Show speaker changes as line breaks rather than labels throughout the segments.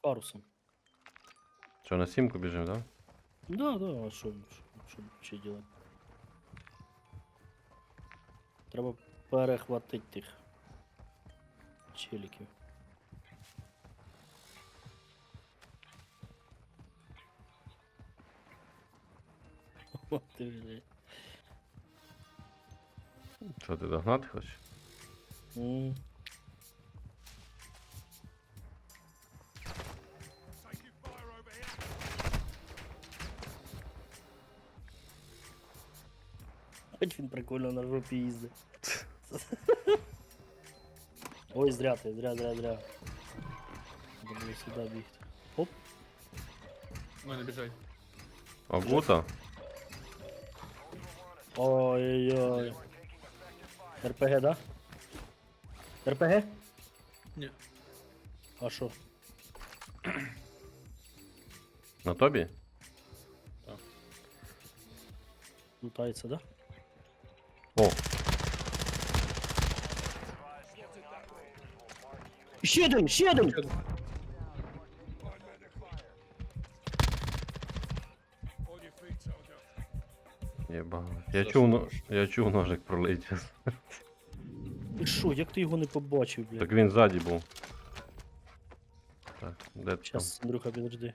парусом.
Що, на сімку біжимо, так?
Да, да, а що ще делать? Треба перехватити тих челіків. От ти, блядь.
Що, ти догнати хочеш?
М. Хоч він прикольно на жопі їздить. Ой, зря ти, зря. Треба було сюди бігти. Оп,
У мене біжать.
Агута?
ой-ой-ой. РПГ, да? РПГ?
Ні.
А що?
На тобі?
Лутається, да?
О,
Ще один, ще один!
єба.
Що
Я чув ножик пролетів.
Ти що, як ти його не побачив, блядь?
Так він ззаді був. Так, де ти там?
Щас, Андрюха, підожди.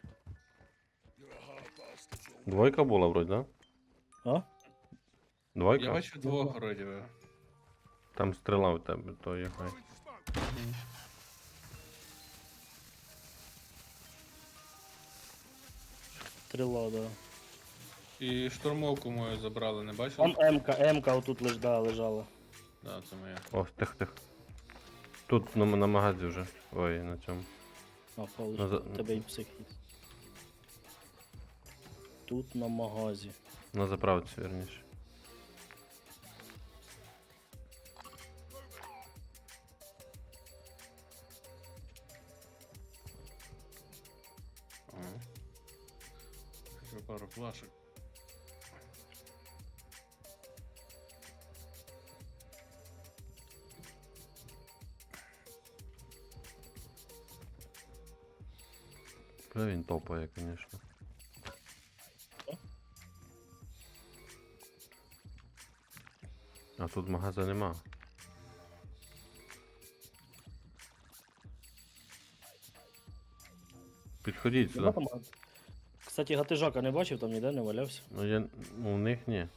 Двойка була вроді, да?
А?
Двойка?
Я бачу двох вроді би.
Там стріла в тебе, то є хай.
Стріла, да.
І штурмовку мою забрали, не бачив?
Там М-ка отут лежала.
Да, це моя.
О, тих. Тут на магазі вже. Ой, на цьому.
А, Павлович,
Наза-
тебе і псих є. Тут на магазі.
На заправці, вірніше.
Ага. Ще пару флашек.
Бля, він топає, звісно. А тут магаза нема. Підходіть
Нема
сюди.
там? Кстати, гатижака не бачив, там ніде не валявся.
Ну, у них ні.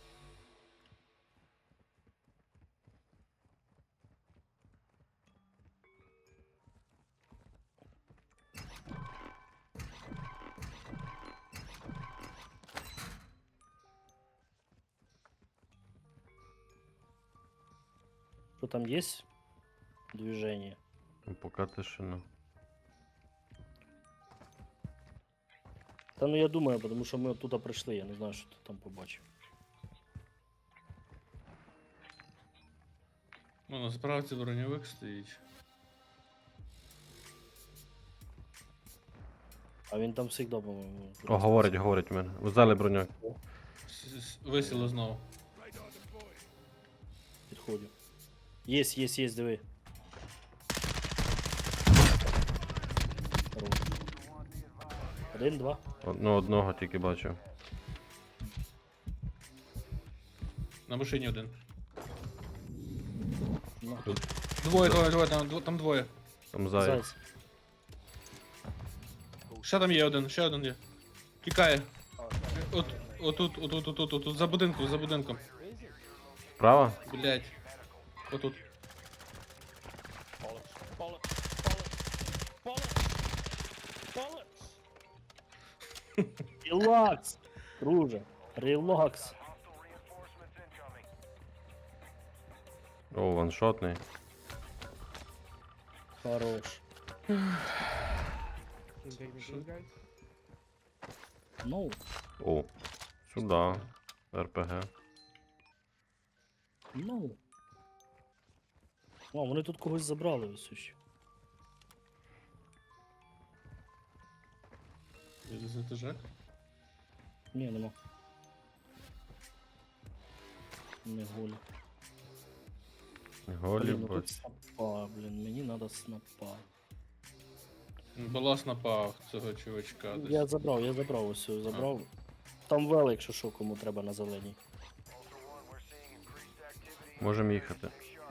Що там є? Движение.
Ну, поки тишина.
Та ну я думаю, тому що ми оттуда прийшли, я не знаю, що ти там побачив.
Ну, на справці броньовик стоїть.
А він там завжди, по-моєму.
О, говорить в мене. Взяли броню.
Висіло знову.
Підходю. Є, диви. Хорош. Один, два.
Одного тільки бачив.
На машині один.
Ну,
Двоє, там двоє.
Там заяць.
зайць.
Ще там є один, ще один є. Тікає. Отут, за будинком.
Справа?
Блять. Отут.
Релакс, друже. Релакс.
О, ваншотний.
Хорош. Ну,
О, сюди. РПГ.
ну. О, вони тут когось забрали ось ще.
Це тяжак?
Ні, нема. Не голі.
Голі,
Блін, ну
бач.
тут снапа, блін, мені надо снапа.
Балас напав цього чувачка десь.
Я забрав ось цю, забрав. Там вел, якщо що, кому треба на зеленій.
Можемо їхати.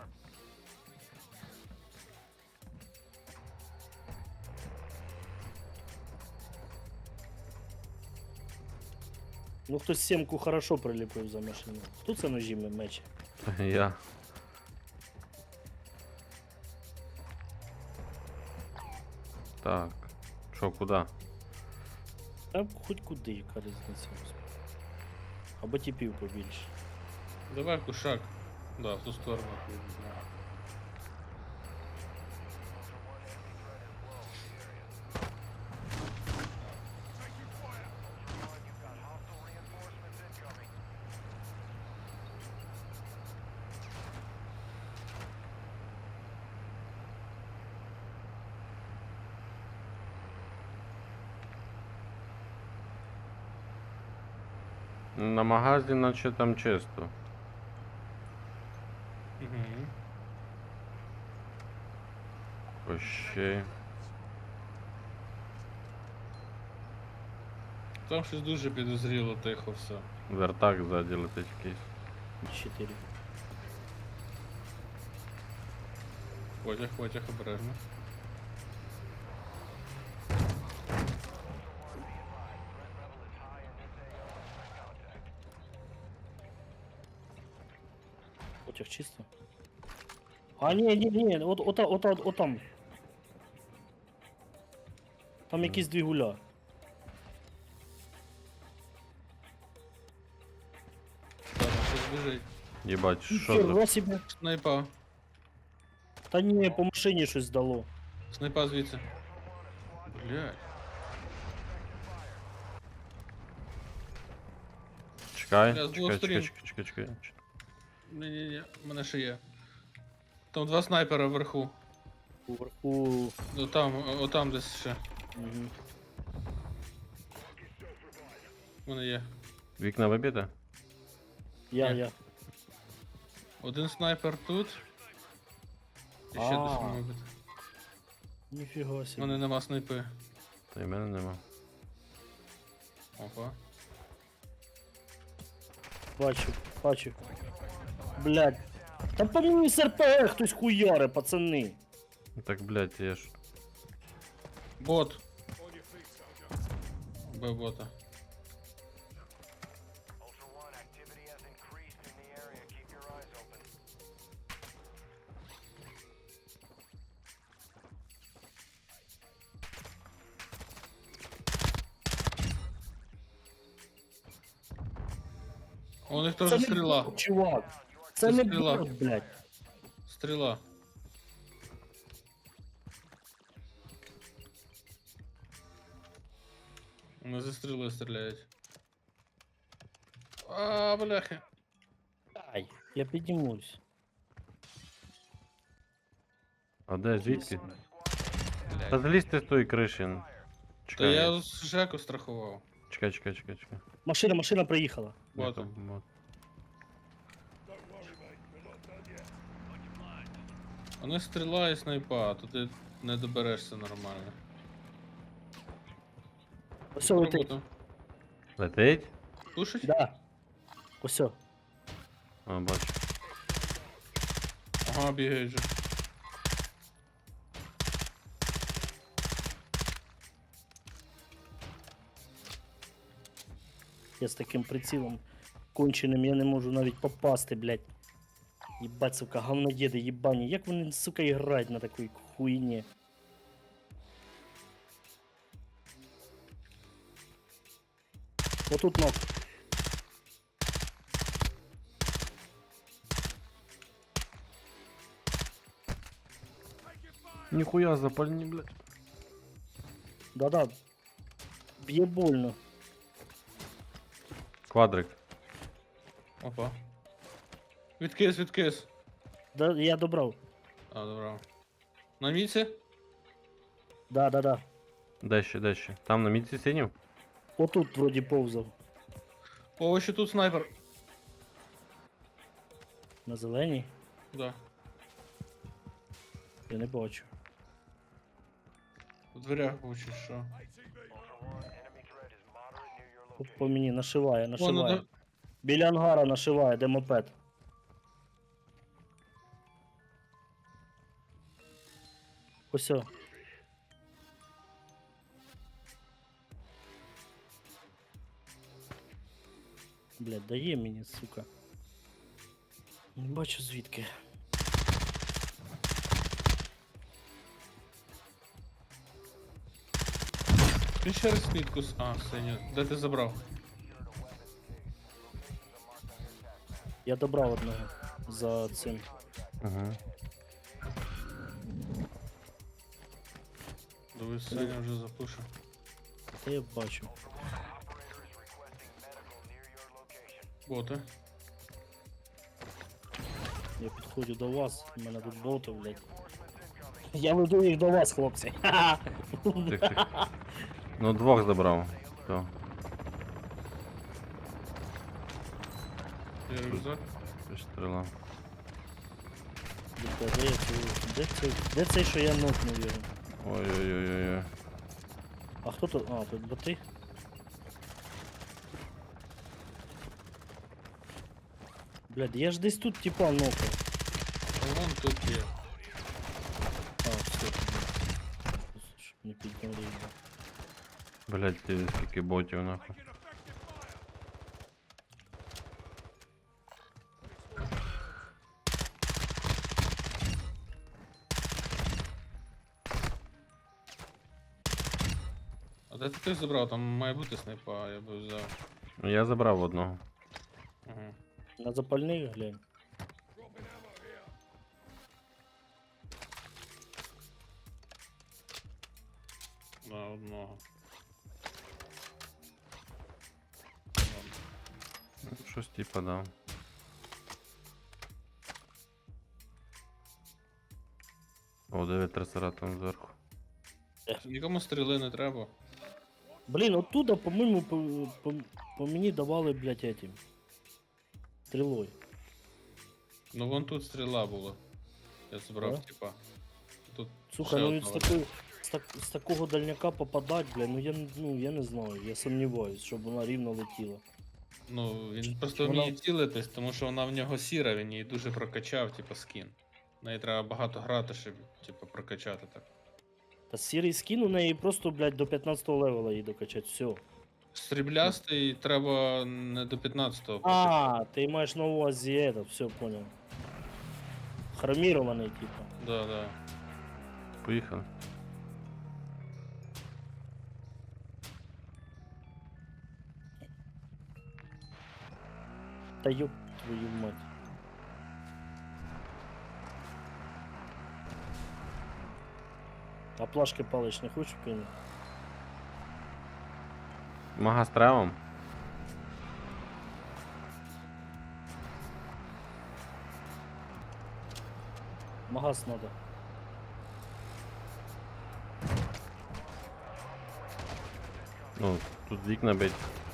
Ну хтось сімку хорошо приліпив за машину. Хто це ножі мечі?
Я. Так. Що, куди?
Та хоч куди, яка різниця. Господи. Або тіпів побільше.
Давай кушак. Да, в ту сторону.
На магазі наче там чисто.
Угу.
Ощей.
Там щось дуже підозріло тихо все.
Вертак ззаді летить якийсь.
4.
Потяг обережно.
Потяг чисто. А ні, от там. Там якісь двигуля.
Так, щось біжить.
Єбать, що за...
Ніхера себе.
Снайпа.
Та ні, по машині щось дало.
Снайпа звідси. Блядь.
Чекай,
Бля, з двох
чекай,
сторін.
чекай.
Ні, в мене ще є. Там два снайпера вверху.
Уверху.
Отам десь ще.
Угу.
В мене є.
Вікна вибіде?
Я.
Один снайпер тут. І ще
А.
десь має бути.
Ніфіга
У
собі.
мене нема снайпи.
Та й мене нема.
Опа.
Бачу. Блядь. Та по мені з РПГ хтось хуяре, пацани.
Так, блядь, я ж...
Бот. Б бота. У них теж стріла.
бот, чувак. Це
Це
не
стріла.
бот, блядь.
Стріла. Вони зі стріли стріляють. А, бляхи.
Ай, я піднімусь.
А де, звідки?
Блядь.
Та злізьте з тої криші.
Та
Чекай,
я з Жеку страхував.
чекай.
Машина приїхала.
Бота.
Бот.
Вони стріла і снайпа, то ти не доберешся нормально.
Ось летить.
Робота.
Летить?
Пушить?
Да. Ось.
А, бачу.
Ага, бігають же.
Я з таким прицілом конченим, я не можу навіть попасти, блядь. Єбать, сука, говнодєди, єбані. Як вони, сука, грають на такій хуйні? Отут ног.
Ніхуя запальні, блядь.
Да-да. Б'є больно.
Квадрик.
Опа. Відкис.
Да, я добрав.
А, добре. На міці?
Да.
Де ще? Там на мітці синів?
Отут вроді повзав.
О, ще тут снайпер.
На зеленій.
Да.
Я не бачу.
В дверях був чи що.
По мені нашиває,
Вон,
нашиває.
ну,
Біля ангара нашиває, де мопед. Ось. О. Блядь, дає мені, сука. Не бачу звідки.
Він ще раз мітку А, синю. Де ти забрав?
Я добрав одного за цим.
Угу.
Дивись, Саня вже запушив.
Та я бачу.
Боти.
Я підходжу до вас, у мене тут боти, блядь. Я веду їх до вас, хлопці.
Тих, тих. Ну, двох забрав. То.
Є рюкзак.
Це стріла.
Де цей, що я нокнув його?
Ой-ой-ой-ой.
А хто тут? А, тут боти? Блядь, я ж десь тут типа нокав.
А вон тут є.
А, все. Щоб не підняли його.
Блять, ти скільки ботів нахуй.
А де ти забрав? Там має бути снайпа, я би взяв.
Ну я забрав одного.
Угу.
На запальних глянь.
На одного.
Щось типа дав. О, 9 трасера там зверху.
Нікому стріли не треба.
Блін, оттуда, по-моєму, по мені давали, блядь, этим. Стрілою.
Ну вон тут стріла була. Я забрав,
Да?
типа. Тут
Слухай,
ще
ну від з
одна
такої, з такого дальняка попадать, бля, ну я не знаю, я сумніваюсь, щоб вона рівно летіла.
Ну, він просто
вона-
вміє цілитись, тому що вона в нього сіра, він її дуже прокачав, типу, скін. В неї треба багато грати, щоб, типу, прокачати так.
Та сірий скін у неї просто, блядь, до 15 левела її докачать, все.
Сріблястий треба не до 15-го.
А, ти маєш на увазі это, все, понял. Хромірований, типа.
Да, да.
Поїхали.
Та ёб твою мать. А плашки палич не хочеш кинути?
Мага з травом.
Магаз надо.
Ну, тут вікна бить.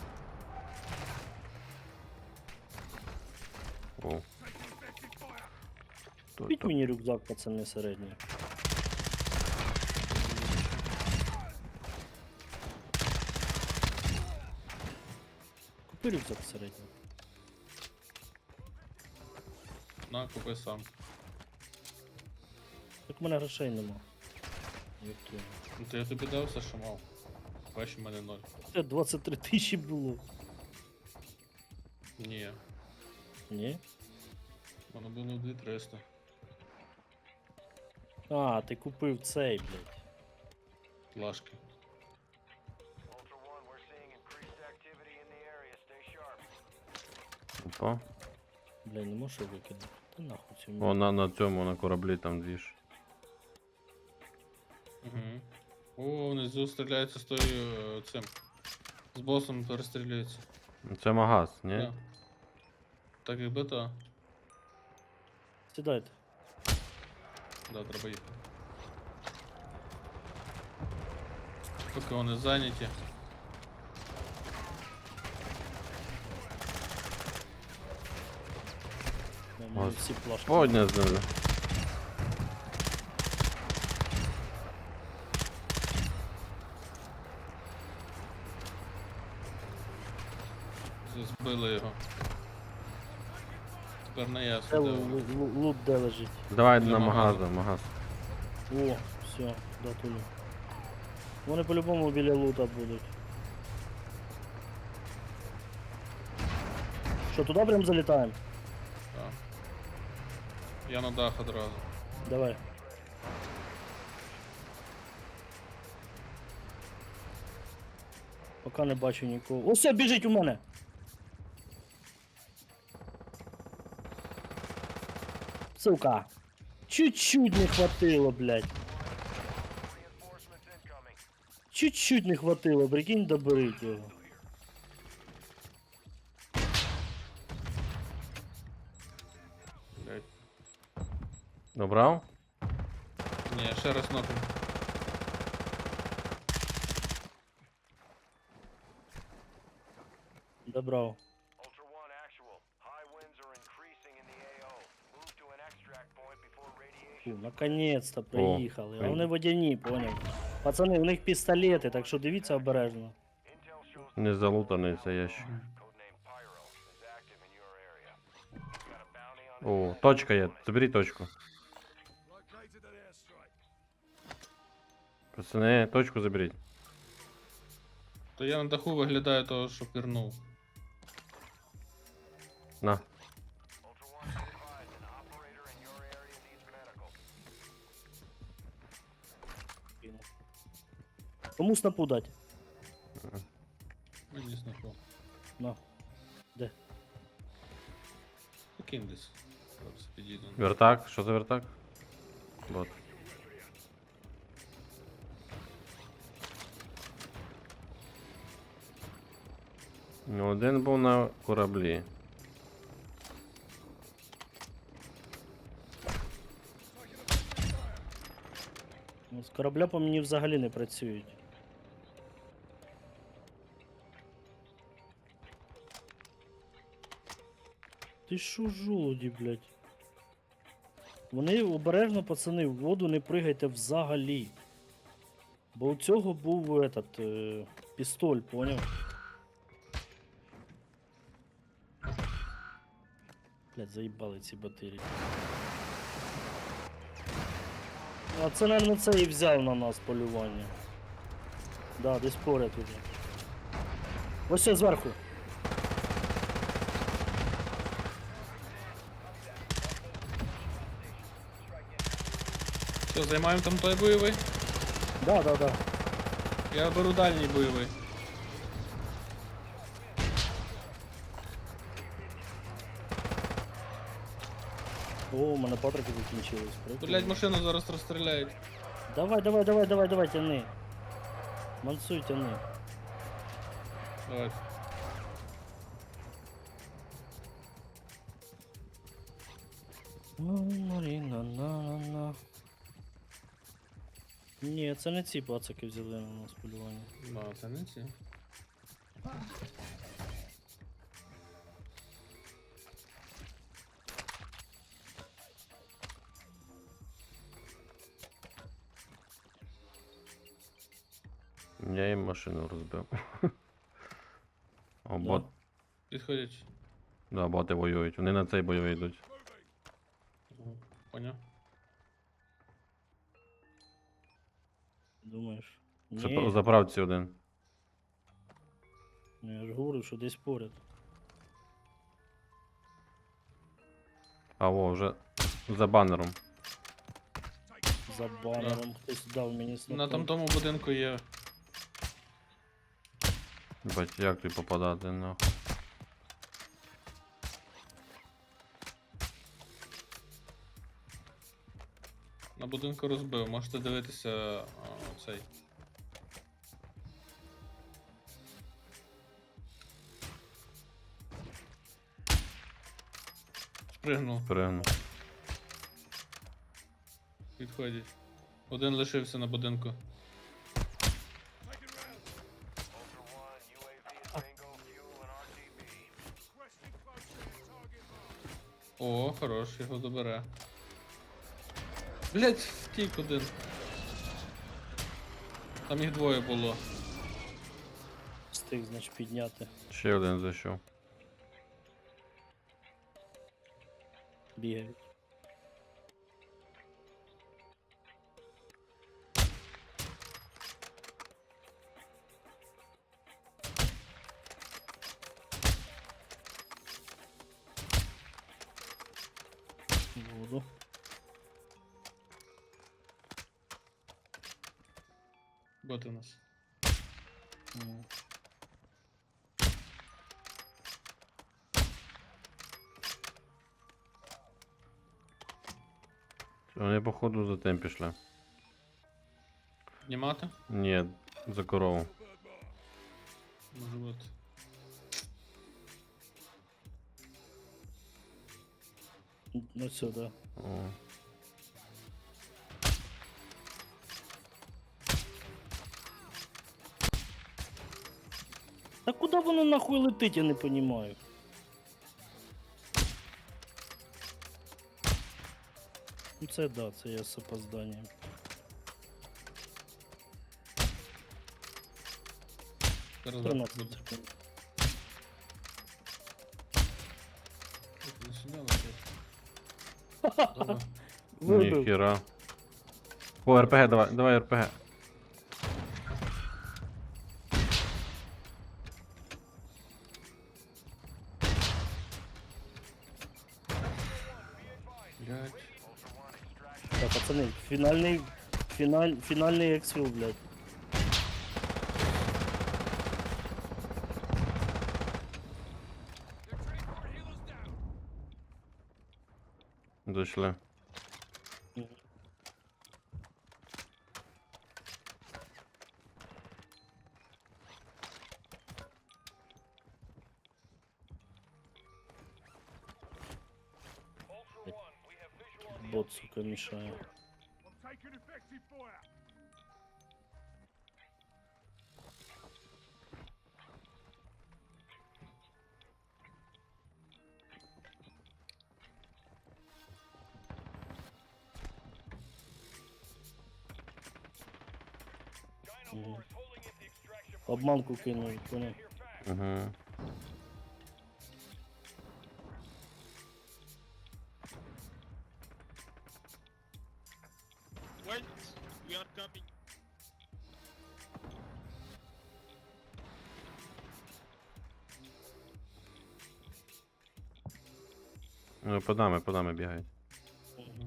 О. Хто
Купіть
там?
мені рюкзак, пацани, середній. Купи рюкзак середній.
На, купи сам.
Так в мене грошей нема. Ёб твою.
Ну, то я тобі дав все, що мав. Бачиш, в мене 0.
Це 23 тисячі було.
Ні.
Ні?
В мене було 2300.
А, ти купив цей, блядь.
Плашки.
Опа.
Бля, не можу викинути. Та нахуй цю
О, на цьому, на кораблі там двіж.
Угу. О, внизу стріляються з тою цим. З босом перестрілюються.
Ну, це магаз, ні?
Да. Так якби то.
Сідайте.
Да, треба їхати. Поки вони зайняті.
У мене
Ось.
всі плашки.
Подня знизу.
Добили його. Тепер не
Де
ясно, де вони.
лут де лежить?
Давай
Біля
на
магазу.
магаз.
О, все, да тулю. Вони по-любому біля лута будуть. Що, туди прям залітаємо?
Так. Я на дах одразу.
Давай. Поки не бачу нікого. О, все, біжить у мене! Сука! Чуть-чуть не хватило, блядь. Чуть-чуть не хватило, прикинь, доберіть його.
Блять.
Добрав?
Ні, ще раз нокну.
Добрав.
Ultra One actual. High winds are increasing in the AO. Move to an extract point before radiation.
Фу, наконец-то приїхали. А
ой.
вони водяні, поняв. Пацани, у них пістолети, так що дивіться обережно.
Intel shows
Не залутаний цей ящик.
codename Pyro is active in your area. Got a bounty on
О, точка є. Заберіть точку. Пацани, точку заберіть.
То я на даху виглядаю того, що пірнув.
На.
Ultra One advised an operator in your area needs medical.
Кому снапу дать?
Мені снапу.
На. Де?
Покинь десь. Зараз підійду.
Вертак, що за вертак? Вот. Ну, один був на кораблі.
Ну, з корабля по мені взагалі не працюють. Ти шо жолуді, блядь? Вони обережно, пацани, в воду не пригайте взагалі. Бо у цього був этот, пістоль, поняв? Блядь, заїбали ці батареї. А це, наверное, це і взяв на нас полювання. Да, десь поряд уже. Ось все зверху.
Все, займаємо там той бойовий.
Да, да, да.
Я беру дальній бойовий.
О, у мене патрики закінчились. Прикольно.
Блять, машину зараз розстріляють.
Давай, давай, давай, давай, давай, тяни. Мансуй, тяни.
Давай.
На-на-на-на-на. Ні, це не ці пацаки взяли на нас полювання.
Ну, це не ці.
Я їм машину розбив. О,
Да.
бот.
Підходять.
Да, боти воюють. Вони на цей бойовий йдуть.
Поняв?
Думаєш?
Це
Ні,
заправці один.
ну я ж говорю, що десь поряд.
А во, вже за банером.
За банером хтось дав мені снапу.
На тому будинку є.
Бать, як ти попадати нахуй?
На будинку розбив. Можете дивитися цей. Спригнув.
Пригнув.
Підходять. Один лишився на будинку.
Ultra One, UAV is bingo fuel and RTB.
О, хорош, його добере. Блять, втік один. Там їх двоє було.
Встиг, значить, підняти.
Ще один зайшов.
бігають. Воду.
Бот у нас.
Ну.
Вони, походу, за тим пішли.
Знімати?
Ні, за корову.
Може бути.
Ну сюди.
О.
Та куди воно нахуй летить, я не розумію. Ну це да, це я з опозданням.
Зараз
13
буде.
секунд.
Не сюди летить. Добре.
Вибив.
Ніхіра. О, РПГ, давай, давай РПГ.
Блядь.
Так, пацани, фінальний ексфіл, блядь.
Дійшли.
Бот, сука, мішає. Мгм. Обманку кинув, понял.
Угу.
Wait, we are coming.
Ну, по нами бігають.
Мгм.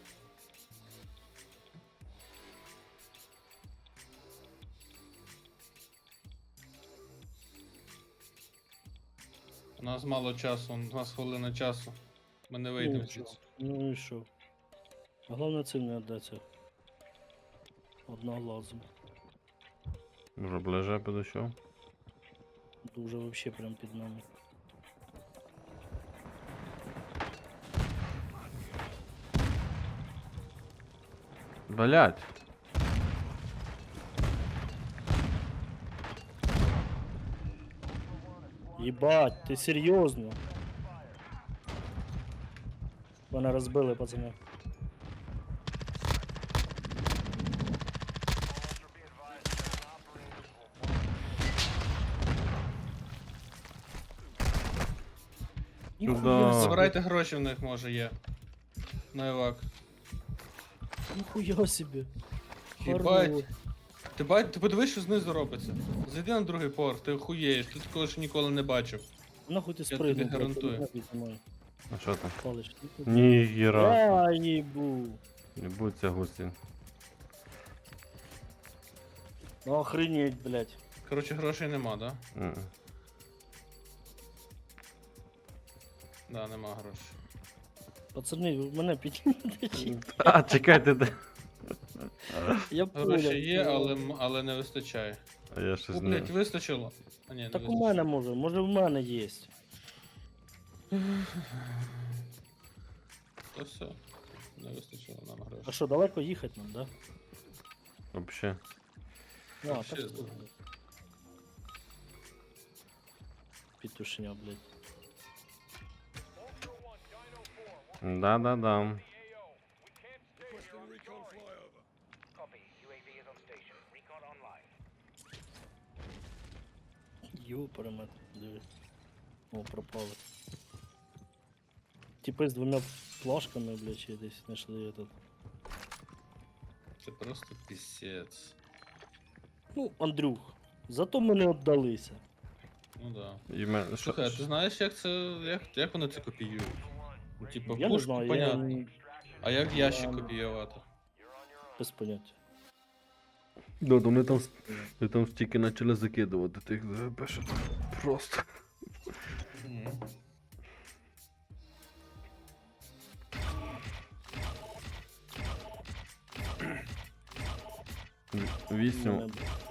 У нас мало часу, у нас хвилина часу. Ми не вийдемо
Ну,
звідси.
Ну і що? Головне цим не віддаться. Одноглазом.
Вже ближе підійшов.
Дуже вообще прям під нами.
Блять.
Єбать, ти серйозно? Мене розбили, пацани. Ніхуя
Сюда.
собі,
Забирайте гроші в них, може, є. На евак.
ніхуя собі.
Єбать.
Хорош.
Ти подивись, що знизу робиться. Зайди на другий поверх, ти охуєєш, ти такого ж ніколи не бачив.
Нахуй ти
тобі
спригнув, блядь,
гарантую.
ти мене піднімай.
А що там?
Палиш.
Ніхіра.
Я їбу.
Не будь ця гусінь.
Ну охренеть, блядь.
Коротше, грошей нема, да?
Мгм.
Да, нема грошей.
Пацани, ви мене піднімете чи?
А, чекайте, де.
Я понял.
Гроші є, але не вистачає.
А я щось
О,
не.
блядь, вистачило. А ні, не
Так у
вистачило.
мене може в мене є.
То все. Не вистачило нам
А
грошей.
що, далеко їхати нам, да?
Вообще.
А,
Вообще
так
здорово.
Петушня, блядь.
Да-да-да.
Йо, перемет, диви. О, пропали. Типи з двома плашками, блядь, чи десь знайшли этот.
Це просто пісець.
Ну, Андрюх, зато ми не віддалися.
Ну да.
І мене,
Слухай, а ти знаєш, як це. Як вони це копіюють? Ну, типу,
Я не
пушку,
знаю,
понятно. А як ящик
я-
копіювати?
без поняття.
Ну, то вони там стільки почали закидувати тих ЗГП, що там просто.
Мгм.
Вісім.
Мене-